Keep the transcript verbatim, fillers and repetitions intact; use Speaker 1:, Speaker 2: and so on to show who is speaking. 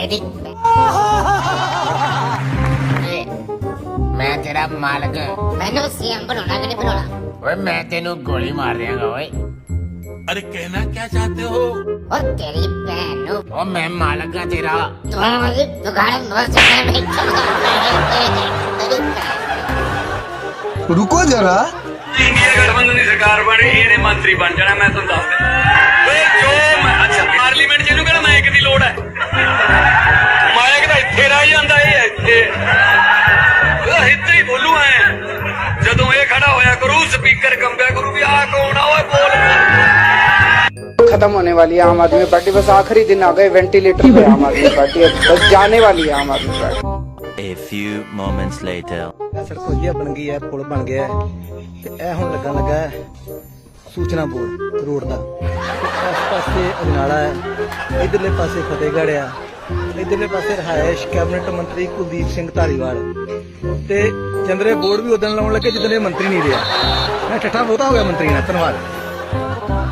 Speaker 1: तेरी मैं तेरा मालक मैंने सीएम बनाना कि नहीं बनाना ओए मैं तेनू गोली मार देगा ओए
Speaker 2: अरे कहना क्या चाहते हो?
Speaker 1: और तेरी बहन ओ मैं मालक का तेरा तुम्हारी दुकान बहुत में
Speaker 3: रुको जरा
Speaker 4: इंडिया गठबंधन की सरकार बन रही है मंत्री बन जाना मैं तुम दस जो अच्छा पार्लीमेंट ਜਿਹਨੂੰ ਕਿਹੜਾ ਮਾਈਕ ਦੀ ਲੋੜ ਹੈ ਮਾਈਕ ਤਾਂ ਇੱਥੇ ਰਹਿ ਜਾਂਦਾ ਇਹ ਇੱਥੇ ਉਹ ਇੱਥੇ ਹੀ ਬੋਲੂ ਐ ਜਦੋਂ ਇਹ ਖੜਾ ਹੋਇਆ ਕਰੂ ਸਪੀਕਰ ਕੰਬਿਆ ਕਰੂ ਵੀ ਆ ਕੌਣ ਆ ਓਏ ਬੋਲ
Speaker 5: खत्म होने वाली है आम आदमी पार्टी बस आखिरी दिन आ गए वेंटिलेटर पे आम आदमी पार्टी बस जाने वाली है Aam Aadmi Party.
Speaker 6: A few moments later
Speaker 7: सड़क ਵਧੀਆ ਬਣ ਗਈ ਹੈ ਪੁਲ ਬਣ ਗਿਆ ਤੇ ਇਹ ਹੁਣ ਲੱਗਣ ਲੱਗਾ ਹੈ ਸੂਚਨਾ ਬੋਰਡ ਰੋਡ ਦਾ ਇਸ ਪਾਸੇ ਅਜਨਾਲਾ ਹੈ ਇਧਰਲੇ ਪਾਸੇ ਫਤਿਹਗੜ੍ਹ ਆ ਇਧਰਲੇ ਪਾਸੇ ਰਹਾਇਸ਼ ਕੈਬਨਿਟ ਮੰਤਰੀ ਕੁਲਦੀਪ ਸਿੰਘ ਧਾਲੀਵਾਲ ਤੇ ਚੰਦਰੇ ਬੋਰਡ ਵੀ ਉਦੋਂ ਲਾਉਣ ਲੱਗੇ ਜਦੋਂ ਇਹ ਮੰਤਰੀ ਨਹੀਂ ਰਿਹਾ ਮੈਂ ਠੱਠਾ ਬਹੁਤਾ ਹੋ ਗਿਆ ਮੰਤਰੀ ਨਾਲ ਧੰਨਵਾਦ।